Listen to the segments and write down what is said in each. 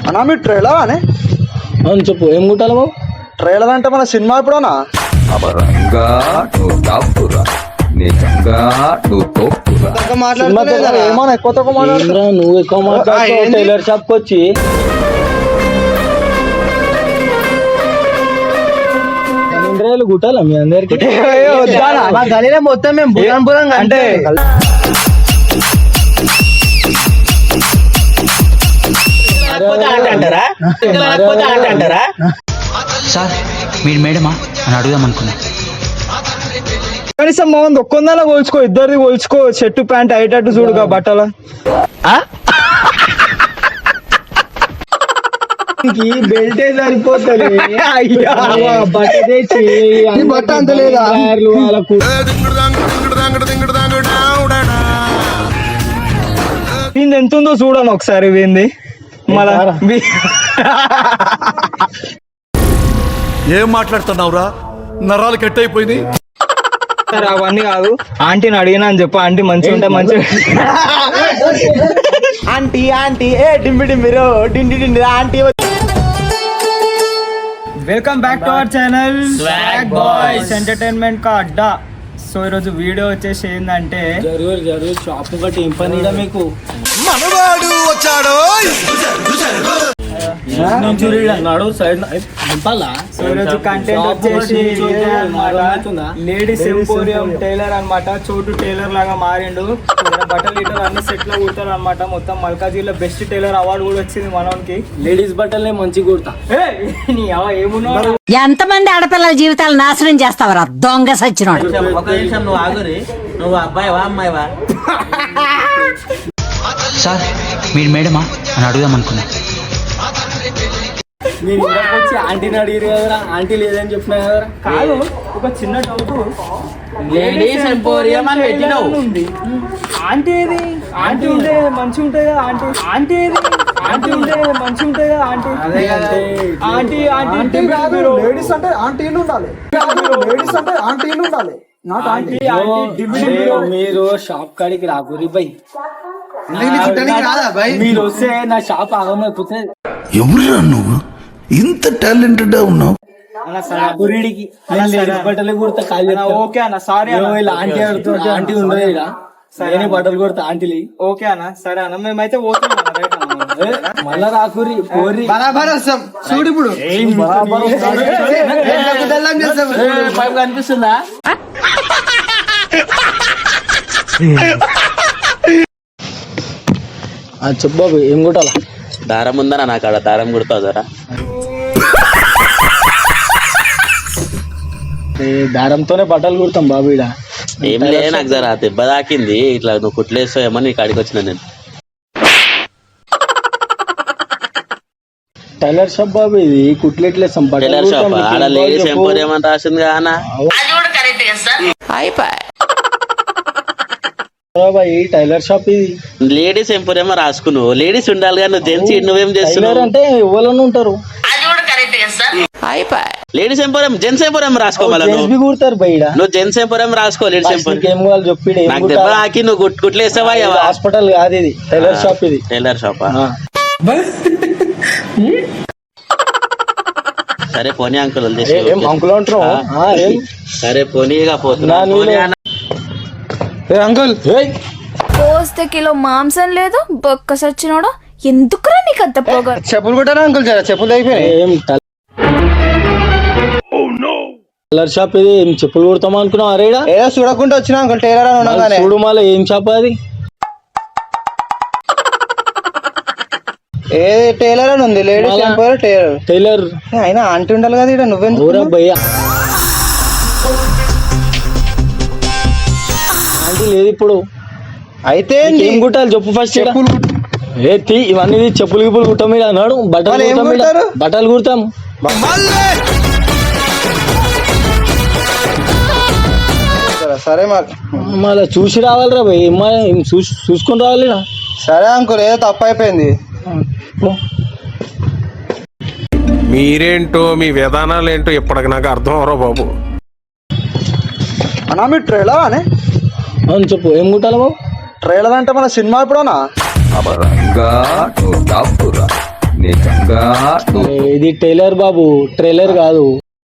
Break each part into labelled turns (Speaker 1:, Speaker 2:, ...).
Speaker 1: అన్నా మీ ట్రైలర్ అని
Speaker 2: అవును చెప్పు, ఏం కుట్టాలి బాబు?
Speaker 1: ట్రైలర్ అంటే మన సినిమా ఎప్పుడన్నా
Speaker 3: అబరంగా నువ్వు టాపురా, నిజంగా నువ్వు తోపురా.
Speaker 1: ఏమన్నా ఎక్కువ తక్కువ మాట్లాడుతున్నావు?
Speaker 2: ఏంద్రా నువ్వు ఎక్కువ మాట్లాడుతావు
Speaker 1: ఏంది?
Speaker 2: టైలర్ షాప్కి వచ్చి. ఇంద్రాయలు కుట్టాలా మీ అందరికి?
Speaker 1: మా గలీలో మొత్తం మేము బురం బురం అంటే
Speaker 4: సార్ మీరు మేడమా అని అడుగుదాం అనుకున్నా.
Speaker 1: కనీసం మా ఒక్కొందాలో పోల్చుకో, ఇద్దరిది పోల్చుకో, షర్టు ప్యాంట్ అయ్యేటట్టు చూడుగా బట్టల
Speaker 2: బెల్టే సరిపోతుంది.
Speaker 1: బట్ట అంత లేదా? దీని ఎంత ఉందో చూడను ఒకసారి ఏంది మళ్ళా
Speaker 5: ఏం మాట్లాడుతున్నావురా? నరాలు కట్ అయిపోయింది.
Speaker 1: అవన్నీ కాదు, ఆంటీని అడిగినా అని చెప్పు. ఆంటీ మంచిగా ఉంటే మంచిగా ఆంటీ ఆంటీ ఏ డింబి డింబిరో డిండి డిండి aunty. Welcome back to our channel swag boys entertainment కా అడ్డా. సో ఈరోజు వీడియో వచ్చేసి ఏంటంటే
Speaker 2: జరుగు షాప్ ఒకటి ఏం పని ఈడ మీకు?
Speaker 5: మనవాడు వచ్చాడో.
Speaker 2: నడు సైడ్ నింపాలా?
Speaker 1: సో ఈరోజు కంటెంట్ వచ్చేసి లేడీస్ ఎంపోరియం టైలర్ అన్నమాట. చోటు టైలర్ లాగా మారిండు. బట్టలు ఇటర్ అన్ని సెట్ లో కుడతారు అనమాట. మొత్తం మల్కాజీలో బెస్ట్ టైలర్ అవార్డు కూడా వచ్చింది మనోనికి.
Speaker 2: లేడీస్ బట్టలే మంచి కుడతా.
Speaker 1: ఏమున్నావు?
Speaker 6: ఎంతమంది ఆడపిల్లల జీవితాలు నాశనం చేస్తావరా దొంగ సచ్చినోడు.
Speaker 7: ఒక నిమిషం నువ్వు ఆగురి. నువ్వు అబ్బాయివా అమ్మాయివా?
Speaker 4: సార్ మీరు మేడమా అని అడుగుదాం అనుకున్నా.
Speaker 2: నేను ఇందాక వచ్చి ఆంటీని అడిగారు కదరా, ఆంటీ లేదని చెప్పినా కదరా.
Speaker 1: కాదు, ఒక చిన్న డౌట్.
Speaker 7: లేడీస్ ఎంపోరియం అని పెట్టినావు.
Speaker 1: ఆంటీ ఏది? ఆంటీ ఉంటే మంచిగా ఉంటుంది కదా. ఆంటీ ఏది? ఆంటీ ఉంటే మంచిగా ఉంటుంది కదా.
Speaker 7: అదే కదా.
Speaker 1: ఆంటీ ఆంటీ కాదు, లేడీస్ అంటే ఆంటీలు ఉండాలి. లేడీస్ అంటే ఆంటీలు ఉండాలి. ఆంటీ
Speaker 2: మీరు షాప్ కాడికి రాకూరి బై. మీరు వస్తే నా షాప్ ఆగమైపోతుంది.
Speaker 5: ఎవరురా నువ్వు? ఇంత టాలెంటెడ్ ఉన్నావు.
Speaker 2: గురిడికి బట్టలు కుడతా కాలి.
Speaker 1: ఓకే అన్న, సారీ
Speaker 2: ఆంటీ అడుగుతుంది. ఆంటీ ఉండదు ఇలా. సరే బట్టలు కుడతా ఆంటీలు.
Speaker 1: ఓకే అన్న, సరే అన్న, మేమైతే పోతున్నాం.
Speaker 2: మళ్ళా రాకూరి పోరి
Speaker 1: బరాబర్ వస్తాం. చూడు ఇప్పుడు
Speaker 7: పైపు కనిపిస్తుందా?
Speaker 2: చెప్పు బాబు, ఏం కుట్టాలా?
Speaker 7: దారం ఉందా నాకు? ఆడ దారం కుడతావు జరా.
Speaker 2: దారంతోనే బట్టలు కుడతాం బాబు ఈడ.
Speaker 7: ఏం లే, నాకు జరా దెబ్బ తాకింది. ఇట్లా నువ్వు కుట్లేస్తావేమో నీ కాడికి వచ్చిన నేను.
Speaker 2: టైలర్ షాప్ బాబు ఇది. కుట్లెట్లేస్తాం
Speaker 7: టైలర్ షాప్. ఆడ లేడీస్ ఎంపోరియం అని రాసింది కానా?
Speaker 2: ఈ టైలర్ షాప్ ఇది.
Speaker 7: లేడీస్ ఎంపోరియం రాసుకున్నావు. లేడీస్ ఉండాలి కానీ నువ్వు జెంట్స్ నువ్వేం చేస్తున్నావు?
Speaker 2: అంటే ఎవరైనా ఉంటారు.
Speaker 7: లేడీస్ ఎంపోరియం జెంట్స్ ఎంపోరియం రాసుకోవాలి.
Speaker 2: కుడతారు బయట.
Speaker 7: నువ్వు జెంట్స్ ఎంపోరియం రాసుకో. లేడీస్ ఎంపోరియం
Speaker 2: ఏం కావాలి చెప్పి.
Speaker 7: నాకు దెబ్బ తాకి నువ్వు కుట్లేస్తావా?
Speaker 2: హాస్పిటల్ కాదు ఇది, టైలర్ షాప్ ఇది.
Speaker 7: టైలర్ షాపా? సరే పోనీ అంకుల్
Speaker 2: అంకుల్ అంటారు.
Speaker 7: సరే పోనీగా పోతున్నా.
Speaker 1: అంకుల్
Speaker 8: పోస్తే కిలో మాంసం లేదు బొక్క సచ్చినోడు. ఎందుకురా నీకు అంత పొగ?
Speaker 1: చెప్పులు కొట్టారా అంకుల్? జరా చెప్పులు అయిపోయినాయి.
Speaker 2: టైలర్ షాప్ ఇది. ఏం చెప్పులు కుడతాం అనుకున్నావు? అరేడా
Speaker 1: ఏదో చూడకుండా వచ్చినా అంకుల్ టైలర్ అని ఉండగానే.
Speaker 2: చూడు మళ్ళీ ఏం షాప్ అది?
Speaker 1: ఏ టైలర్ అని ఉంది, లేడీస్ ఎంపోరియం టైలర్.
Speaker 2: టైలర్
Speaker 1: అయినా ఆంటీ ఉండాలి కదా ఇక్కడ. నువ్వెందుకు
Speaker 2: భయ్యా? ఆంటీ లేదు ఇప్పుడు.
Speaker 1: అయితే
Speaker 2: ఏం కుట్టాలి చెప్పు ఫస్ట్.
Speaker 1: చెప్పులు
Speaker 2: ఇవన్నీ చెప్పులు గిప్పులు కుట్టాం మీద అన్నాడు. బట్టలు కుడతాం.
Speaker 1: సరే
Speaker 2: మళ్ళీ చూసి రావాలిరా భయ్. చూసుకొని రావాలి.
Speaker 1: సరే అంకుల్, ఏదో తప్పు అయిపోయింది.
Speaker 5: మీరేంటో మీ విధానాలు ఏంటో ఇప్పటికి నాకు అర్థం అవరో బాబు.
Speaker 1: అన్నా మీ ట్రైలర్ అని?
Speaker 2: అవును చెప్పు, ఏం కుట్టాలి బాబు?
Speaker 1: ట్రైలర్ అంటే మన సినిమా ఎప్పుడన్నా?
Speaker 3: అబరంగా నువ్వు టాపురా, నిజంగా నువ్వు
Speaker 2: ఇది టైలర్ బాబు, ట్రైలర్ కాదు.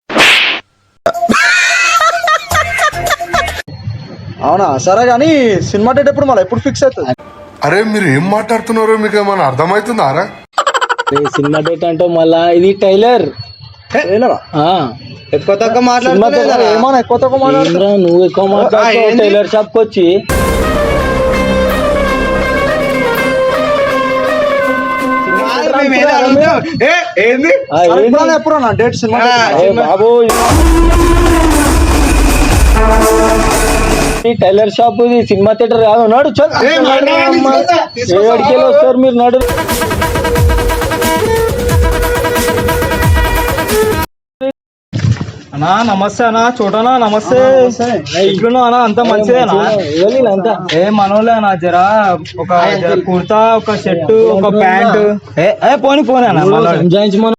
Speaker 1: అవునా? సరే కానీ సినిమా డేట్ ఎప్పుడు మళ్ళీ ఎప్పుడు ఫిక్స్ అవుతుంది?
Speaker 5: అరే మీరు ఏం మాట్లాడుతున్నారో మీకు ఏమైనా అర్థమవుతుందారా?
Speaker 2: సినిమా డేట్ అంటే మళ్ళా ఇది టైలర్.
Speaker 1: ఎక్కువ తక్కువ మాట్లాడుతున్నా, ఏమన్నా ఎక్కువ తక్కువ మాట్లాడుతున్నా?
Speaker 2: నువ్వు ఎక్కువ మాట్లాడుతావు. టైలర్ షాప్ కి వచ్చి
Speaker 1: ఎప్పుడు డేట్ సినిమా
Speaker 2: బాబు, టైలర్ షాప్ ఇది సినిమా థియేటర్ కాదు. నాడు ఏడికి వస్తారు మీరు? నాడు
Speaker 1: అన్నా నమస్తే అన్నా, చూడనా నమస్తే. ఎట్లున్నా అన్నా? అంత మంచిదేనా?
Speaker 2: అంతా
Speaker 1: ఏ మనోలే అన్నా, జరా ఒక కుర్తా, ఒక షర్ట్, ఒక ప్యాంట్. పోనీ పోనీ అన్న
Speaker 2: మనం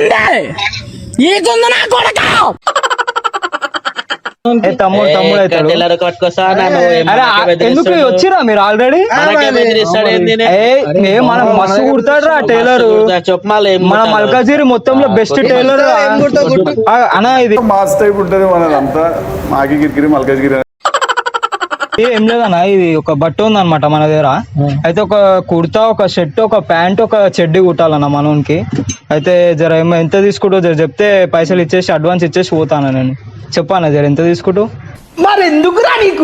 Speaker 1: తమ్ముడు అవుతాడు.
Speaker 7: టైలర్ పట్టుకొస్తా
Speaker 1: ఎందుకు వచ్చిరా మీరు ఆల్రెడీ? మనం మస్తు కుడతాడు రా టైలర్. మన మల్కాజిరి మొత్తంలో బెస్ట్ టైలర్ అన్నా. ఇది
Speaker 9: మాస్ టైప్ ఉంటది మనదంతా, మాకి గిరిగిరి మల్కాజ్గిరి.
Speaker 1: ఏం లేదన్నా, ఇది ఒక బట్ట ఉందన్నమాట మన దగ్గర. అయితే ఒక కుర్తా, ఒక షర్ట్, ఒక ప్యాంట్, ఒక చెడ్డీ కుట్టాలన్న మనోనికి. అయితే జర ఎంత తీసుకుంటూ జర చెప్తే పైసలు ఇచ్చేసి అడ్వాన్స్ ఇచ్చేసి పోతాను నేను. చెప్పాను జర ఎంత తీసుకుంటూ.
Speaker 2: మరి ఎందుకురా నీకు?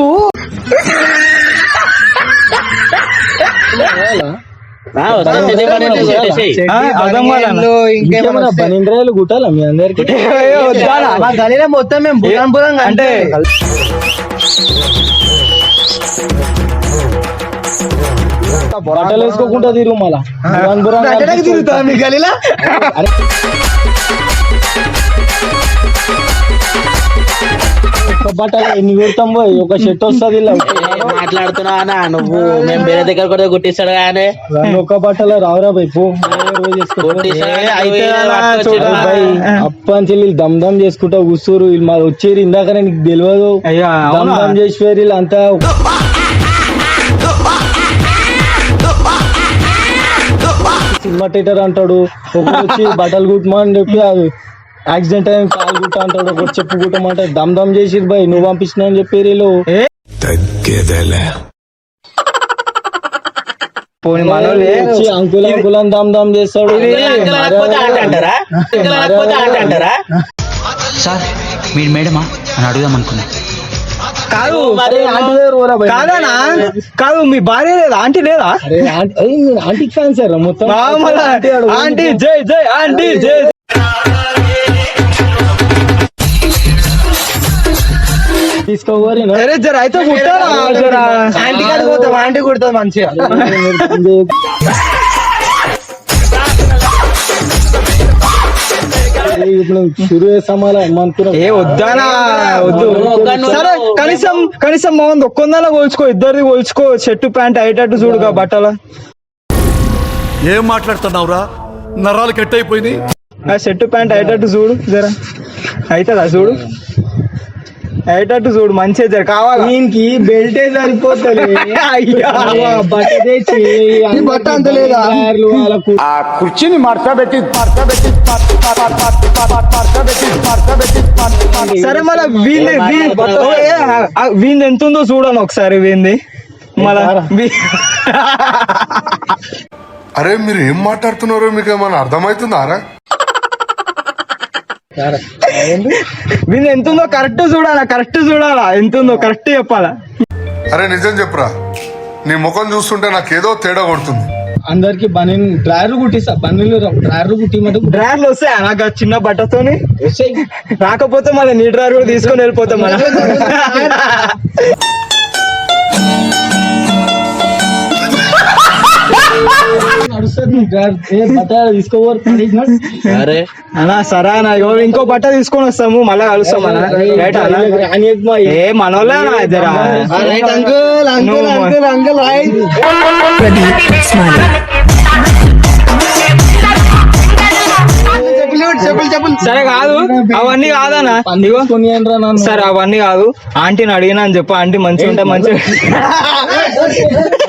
Speaker 1: అర్థం కాదన్న.
Speaker 2: పన్నెండు కుట్టాలా మీ అందరికి?
Speaker 1: మొత్తం మేము అంటే
Speaker 2: బట్టలు వేసుకోకుండా తిరుగు మళ్ళా
Speaker 1: తిరుగుతా మీ గలీలా.
Speaker 2: బట్టలు ఎన్ని పెడతాం పోయి? ఒక షర్ట్ వస్తుంది.
Speaker 7: మాట్లాడుతున్నావా నువ్వు? మేము వేరే దగ్గర కూడా గుట్టిస్తాడు కానీ
Speaker 2: ఒక్క బట్టలు రావురా బై. పో అప్పని దమ్ దమ్ చేసుకుంటా కూర్చోరు. వీళ్ళు మాది వచ్చేది ఇందాక నీకు తెలియదు. దమ్ దమ్ చేసి వీళ్ళు అంతా సినిమా థియేటర్ అంటాడు. ఒకటి వచ్చి బట్టలు కుట్టమని చెప్పి అది యాక్సిడెంట్ అయ్యి కాలు కుట్ట అంటాడు. ఒకటి చెప్పు కుట్టమంటే దమ్ దమ్ చేసి బాయ్ నువ్వు పంపించిన అని చెప్పి వీళ్ళు అంకుల్ అంకుల్ అని దమ్ దమ్ చేస్తాడు.
Speaker 4: సార్ మీరు మేడమా అని అడుగుదాం అనుకున్నా.
Speaker 1: కాదు కాదనా? కాదు మీ భార్య లేదా? ఆంటీ లేదా?
Speaker 2: ఆంటీ ఫ్యాన్ సార్ మొత్తం.
Speaker 1: ఆంటీ జై జై, ఆంటీ జై.
Speaker 2: తీసుకోవాలి
Speaker 1: జర అయితే కుట్టారా? జరా ఆంటీ కాడికి పోతాం, ఆంటీ కుడుతుంది మంచిగా.
Speaker 2: షురు చేస్తామా అనుకున్నా.
Speaker 1: ఏ వద్దానా? వద్దు. సరే కనీసం బాగుంది ఒక్కొందలా కోల్చుకో, ఇద్దరిది కోల్చుకో. షర్టు ప్యాంట్ అయ్యేటట్టు చూడుగా బట్టల.
Speaker 5: ఏం మాట్లాడుతున్నావురా? నరాలు కట్ అయిపోయినాయి.
Speaker 1: ఆ షర్టు ప్యాంట్ అయ్యేటట్టు చూడు జరా. అవుతుందా? చూడు అయ్యేటట్టు చూడు మంచిగా జర. కావాలి
Speaker 2: దీనికి బెల్టే సరిపోతుంది. బట్ట తెచ్చి
Speaker 1: బట్ట అంత లేదా?
Speaker 9: ఆ కుర్చీని మార్చబెట్టి
Speaker 1: సరే మళ్ళీ వీంది ఎంత ఉందో చూడను ఒకసారి. వీంది మళ్ళా
Speaker 5: అరే మీరు ఏం మాట్లాడుతున్నారో మీకు ఏమైనా అర్థమవుతుందారా?
Speaker 1: వీంది ఎంత ఉందో కరెక్ట్ చూడాలా. ఎంత ఉందో కరెక్ట్ చెప్పాలా.
Speaker 5: అరే నిజం చెప్పురా, నీ ముఖం చూస్తుంటే నాకేదో తేడా కొడుతుంది.
Speaker 2: అందరికి బనీన్ డ్రైవర్ కుట్టిస్తా. బన్నీలు డ్రైవర్ కుట్టిమంటే
Speaker 1: డ్రైవర్లు వస్తాయి నాకు చిన్న బట్టతోని. రాకపోతే మళ్ళీ నీ డ్రైవర్ కూడా తీసుకొని వెళ్ళిపోతాం మనం.
Speaker 7: అరే
Speaker 1: అన్నా సరే అన్న, ఇంకో బట్ట తీసుకొని వస్తాము మళ్ళీ కలుస్తాం అన్న. ఏ మనోళ్ళే అన్న జరా. సరే కాదు అవన్నీ కాదన్నా. సరే అవన్నీ కాదు, ఆంటీని అడిగినా అని చెప్పు. ఆంటీ మంచిగా ఉంటే మంచిగా